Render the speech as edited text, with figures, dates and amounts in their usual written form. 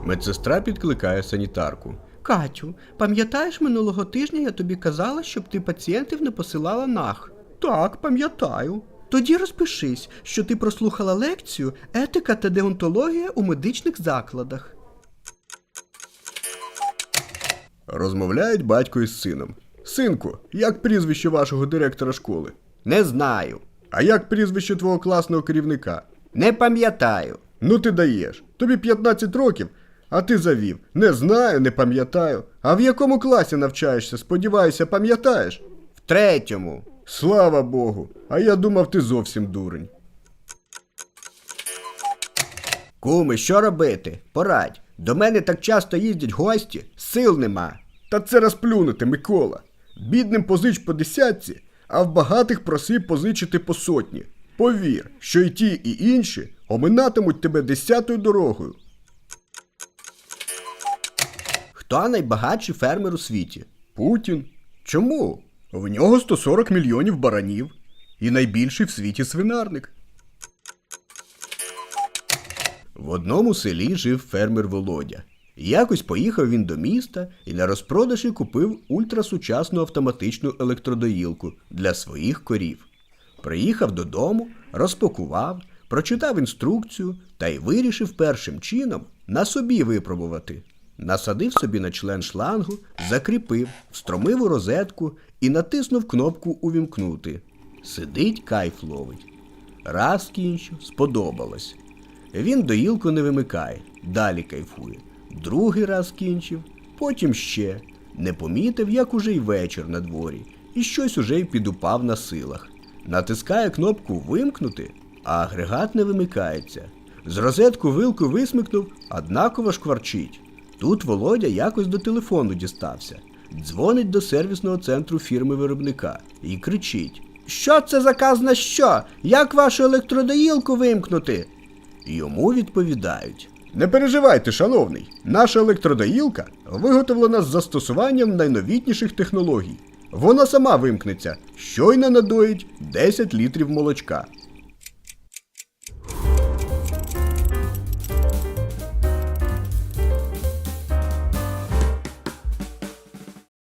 Медсестра підкликає санітарку. Катю, пам'ятаєш, минулого тижня я тобі казала, щоб ти пацієнтів не посилала нах? Так, пам'ятаю. Тоді розпишись, що ти прослухала лекцію «Етика та деонтологія у медичних закладах». Розмовляють батько із сином. Синку, як прізвище вашого директора школи? Не знаю. А як прізвище твого класного керівника? Не пам'ятаю. Ну ти даєш. Тобі 15 років, а ти завів. Не знаю, не пам'ятаю. А в якому класі навчаєшся? Сподіваюся, пам'ятаєш? В 3-му. Слава Богу. А я думав, ти зовсім дурень. Куми, що робити? Порадь. До мене так часто їздять гості, сил нема. Та це розплюнути, Микола. Бідним позич по 10, а в багатих проси позичити по 100. Повір, що і ті, і інші оминатимуть тебе 10-ю дорогою. Хто найбагатший фермер у світі? Путін. Чому? В нього 140 мільйонів баранів. І найбільший в світі свинарник. В одному селі жив фермер Володя. Якось поїхав він до міста і на розпродажі купив ультрасучасну автоматичну електродоїлку для своїх корів. Приїхав додому, розпакував, прочитав інструкцію та й вирішив першим чином на собі випробувати. Насадив собі на член шлангу, закріпив, встромив у розетку і натиснув кнопку «Увімкнути». Сидить, кайф ловить. Раз кінчив, сподобалось. Він доїлку не вимикає, далі кайфує. Другий раз кінчив, потім ще. Не помітив, як уже й вечір на дворі, і щось уже й підупав на силах. Натискає кнопку «Вимкнути», а агрегат не вимикається. З розетку вилку висмикнув, однаково шкварчить. Тут Володя якось до телефону дістався. Дзвонить до сервісного центру фірми-виробника і кричить: «Що це заказ на що? Як вашу електродоїлку вимкнути?» Йому відповідають: Не переживайте, шановний, наша електродоїлка виготовлена з застосуванням найновітніших технологій. Вона сама вимкнеться, щойно надоїть 10 літрів молочка.